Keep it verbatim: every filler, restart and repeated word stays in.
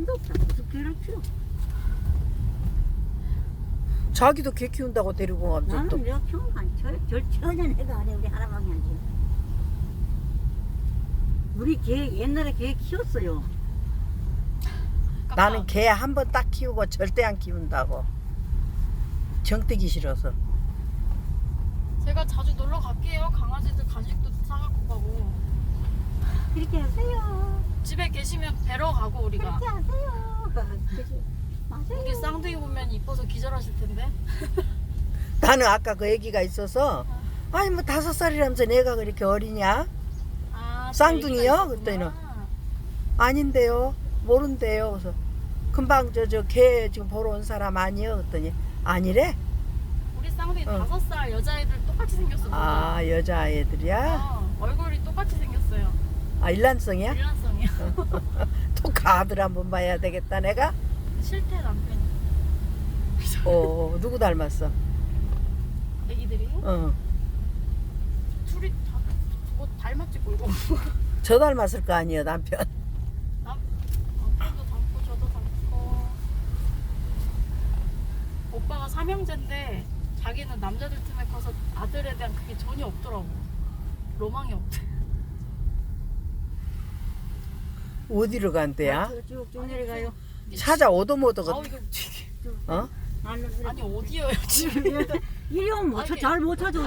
개도 없다. 무슨 개를 키워? 자기도 개 키운다고 데리고 가면 나는 또 내가 키우는 거 아니야. 절, 절 전혀 내가 안 해. 우리 할아버지 하지. 우리 개 옛날에 개 키웠어요. 나는 개 한 번 딱 키우고 절대 안 키운다고. 정뜨기 싫어서. 제가 자주 놀러 갈게요. 강아지들 간식도 사갖고 가고. 그렇게 하세요. 집에 계시면 뵈러 가고 우리가. 그렇게 하세요. 그치? 맞아요. 우리 쌍둥이 보면 이뻐서 기절하실 텐데. 나는 아까 그 애기가 있어서 아니 뭐 다섯 살이라면서 내가 그렇게 어리냐? 아, 쌍둥이요? 저 얘기가 그랬더니는. 있었구나. 아닌데요. 모른대요. 그래서 금방 저 저 개 지금 보러 온 사람 아니요? 그랬더니 아니래. 우리 쌍둥이 어. 다섯 살 여자애들 똑같이 생겼어. 아 여자애들이야? 어, 얼굴이 똑같이 생겼어요. 아 일란성이야? 일란성이야. 또 가들 한번 봐야 되겠다 내가. 실태 남편이. 어 누구 닮았어? 애기들이 어. 둘이 다 뭐 닮았지 뭐 이거. 저 닮았을 거 아니에요 남편. 남 남편도 닮고 저도 닮고. 오빠가 삼형제인데 자기는 남자들 틈에 커서 아들에 대한 그게 전혀 없더라고. 로망이 없대. 어디로 간대야? 쭉쭉 내려가요. 찾아 오도모도 아우 그 이거 되게. 어? 아니 어디요 지금? 이리 오면 못 찾- 잘 못 찾아.